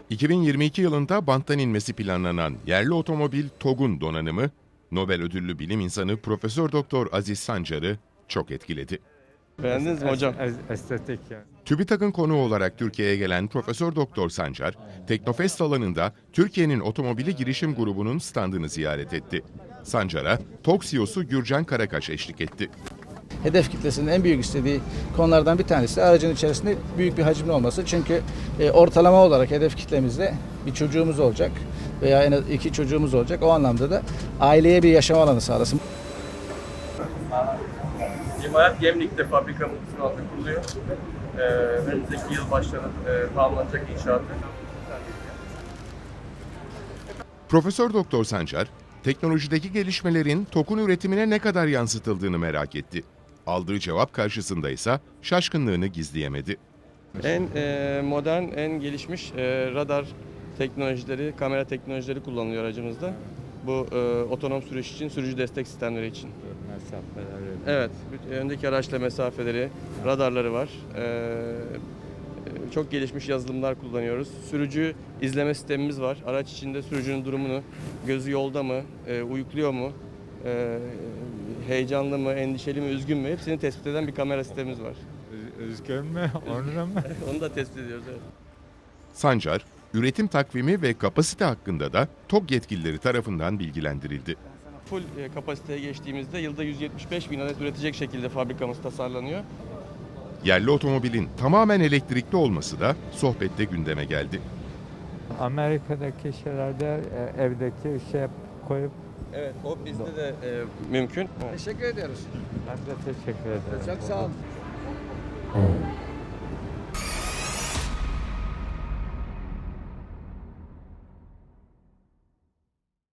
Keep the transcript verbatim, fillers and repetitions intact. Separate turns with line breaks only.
iki bin yirmi iki yılında banttan inmesi planlanan yerli otomobil TOG'un donanımı, Nobel ödüllü bilim insanı Profesör Doktor Aziz Sancar'ı çok etkiledi.
Beğendiniz mi hocam?
Estetik yani.
TÜBİTAK'ın konuğu olarak Türkiye'ye gelen Profesör Doktor Sancar, Teknofest alanında Türkiye'nin otomobili girişim grubunun standını ziyaret etti. Sancar'a TOG C E O'su Gürcan Karakaş eşlik etti.
Hedef kitlesinin en büyük istediği konulardan bir tanesi de aracın içerisinde büyük bir hacimli olması. Çünkü e, ortalama olarak hedef kitlemizde bir çocuğumuz olacak veya en az iki çocuğumuz olacak. O anlamda da aileye bir yaşam alanı sağlasın.
İmalat Gemlik'te fabrikamız altında kuruluyor. Ee, önümüzdeki yıl başlanıp e, tamamlanacak inşaatı.
Profesör Doktor Sancar, teknolojideki gelişmelerin TOG'un üretimine ne kadar yansıtıldığını merak etti. Aldığı cevap karşısında ise şaşkınlığını gizleyemedi.
En e, modern, en gelişmiş e, radar teknolojileri, kamera teknolojileri kullanılıyor aracımızda. Bu e, otonom sürüş için, sürücü destek sistemleri için.
Mesafeleri.
Evet, öndeki araçla mesafeleri, radarları var. Ee, çok gelişmiş yazılımlar kullanıyoruz. Sürücü izleme sistemimiz var. Araç içinde sürücünün durumunu, gözü yolda mı, e, uyukluyor mu, e, heyecanlı mı, endişeli mi, üzgün mü hepsini tespit eden bir kamera sistemimiz var.
Üz- Üzgün mü? Onu da mı?
Onu da tespit ediyoruz. Evet.
Sancar, üretim takvimi ve kapasite hakkında da TOG yetkilileri tarafından bilgilendirildi.
Full e, kapasiteye geçtiğimizde yılda yüz yetmiş beş bin adet üretecek şekilde fabrikamız tasarlanıyor.
Yerli otomobilin tamamen elektrikli olması da sohbette gündeme geldi.
Amerika'daki şeylerde e, evdeki şey koyup
Evet, o bizde de e, mümkün.
Teşekkür ediyoruz.
ben de teşekkür ederim.
Çok sağ olun.